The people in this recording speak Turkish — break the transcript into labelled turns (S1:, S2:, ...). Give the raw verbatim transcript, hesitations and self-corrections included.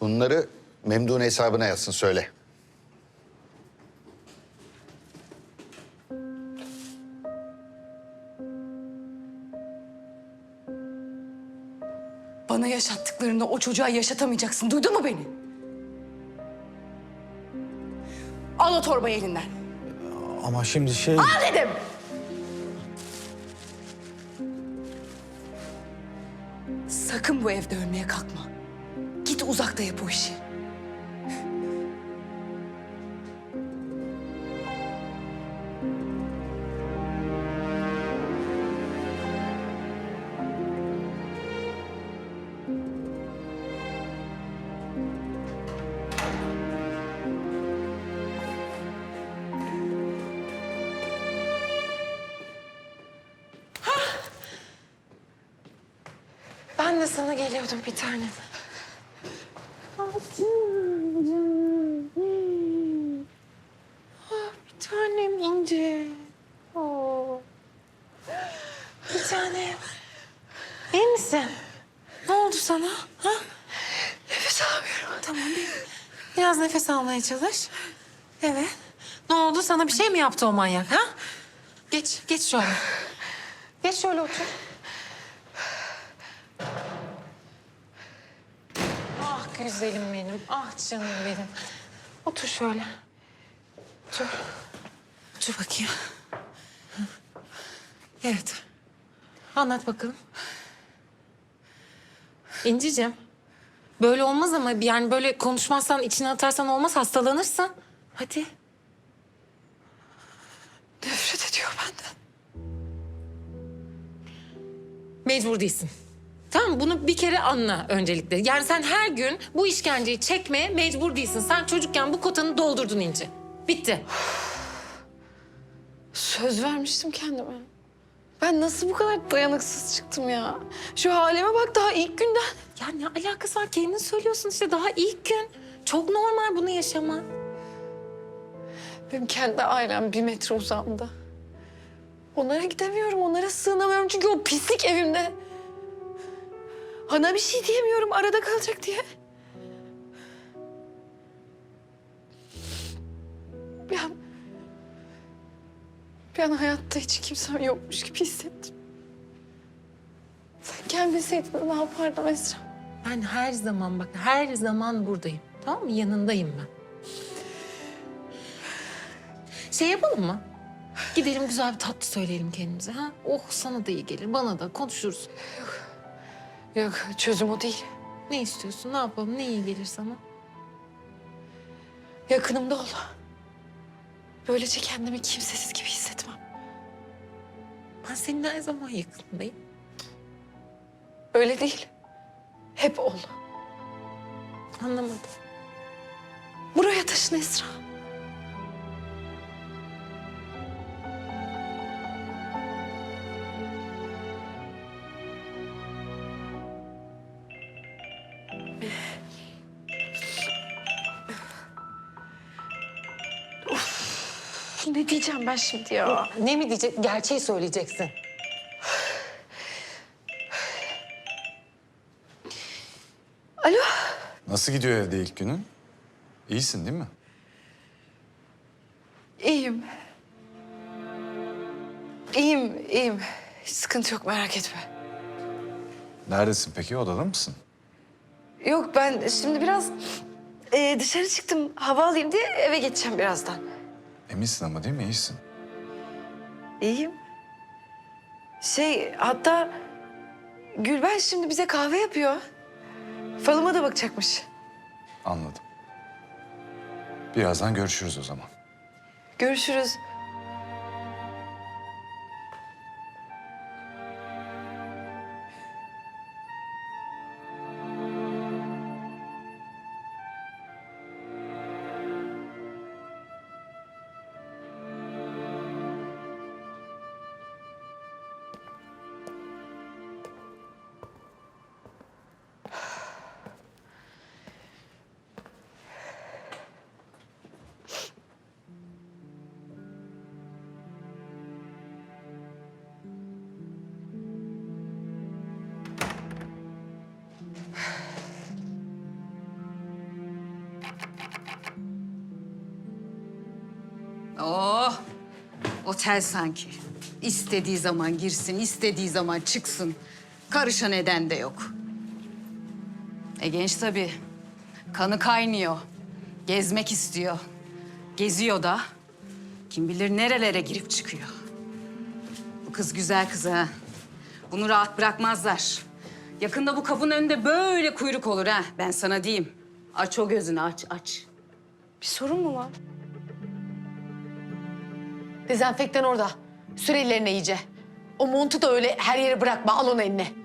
S1: Bunları Memduh'un hesabına yazsın, söyle.
S2: Bana yaşattıklarını o çocuğa yaşatamayacaksın. Duydun mu beni? Al o torbayı elinden.
S3: Ama şimdi şey...
S2: Al dedim! Sakın bu evde ölmeye kalkma. Git uzakta yap o işi.
S4: Ben de sana geliyordum bir tanem. Ah, bir tanem İnci. Oo. Bir tanem. İyi misin? Ne oldu sana? Ha?
S2: Nefes alamıyorum.
S4: Tamam. Bir, biraz nefes almaya çalış. Evet. Ne oldu? Sana bir şey mi yaptı o manyak? Ha? Geç, geç şöyle. Geç şöyle otur. Ah güzelim benim. Ah canım benim. Otur şöyle. Otur. Otur bakayım. Hı. Evet. Anlat bakalım. İnciciğim. Böyle olmaz ama yani böyle konuşmazsan, içine atarsan olmaz, hastalanırsın. Hadi.
S2: Nefret ediyor benden.
S4: Mecbur değilsin. Tamam, bunu bir kere anla öncelikle. Yani sen her gün bu işkenceyi çekmeye mecbur değilsin. Sen çocukken bu kotanı doldurdun İnci. Bitti.
S2: Söz vermiştim kendime. Ben nasıl bu kadar dayanıksız çıktım ya? Şu halime bak, daha ilk günden.
S4: Ya ne alakası var? Kendin söylüyorsun işte, daha ilk gün. Çok normal bunu yaşaman.
S2: Benim kendi ailem bir metre uzağımda. Onlara gidemiyorum, onlara sığınamıyorum çünkü o pislik evimde. Ana bir şey diyemiyorum, arada kalacak diye. Bir an... Bir an hayatta hiç kimsem yokmuş gibi hissettim. Sen gelmeseydin ne yapardım Esra?
S4: Ben her zaman, bak her zaman buradayım. Tamam mı? Yanındayım ben. Şey yapalım mı? Gidelim güzel bir tatlı söyleyelim kendimize. Ha? Oh, sana da iyi gelir, bana da konuşuruz.
S2: Yok, çözüm o değil.
S4: Ne istiyorsun? Ne yapalım? Ne iyi gelir sana?
S2: Yakınımda ol. Böylece kendimi kimsesiz gibi hissetmem.
S4: Ben senin her zaman yakınındayım.
S2: Öyle değil. Hep ol.
S4: Anlamadım.
S2: Buraya taşın Esra. Of, ne diyeceğim ben şimdi ya?
S4: Ne mi diyecek? Gerçeği söyleyeceksin.
S2: Alo.
S5: Nasıl gidiyor evde ilk günün? İyisin değil mi?
S2: İyiyim. İyiyim, iyiyim. Hiç sıkıntı yok, merak etme.
S5: Neredesin peki? Odada mısın?
S2: Yok, ben şimdi biraz e, dışarı çıktım. Hava alayım diye eve geçeceğim birazdan.
S5: Eminsin ama değil mi? İyisin.
S2: İyiyim. Şey, hatta Gülben şimdi bize kahve yapıyor. Falıma da bakacakmış.
S5: Anladım. Birazdan görüşürüz o zaman.
S2: Görüşürüz.
S6: Oh, otel sanki. İstediği zaman girsin, istediği zaman çıksın. Karışan eden de yok. E genç tabii. Kanı kaynıyor. Gezmek istiyor. Geziyor da. Kim bilir nerelere girip çıkıyor. Bu kız güzel kız ha. Bunu rahat bırakmazlar. Yakında bu kapının önünde böyle kuyruk olur ha. Ben sana diyeyim. Aç o gözünü, aç, aç.
S2: Bir sorun mu var? Dezenfektan orada. Sür ellerine iyice. O montu da öyle her yere bırakma. Al onu eline.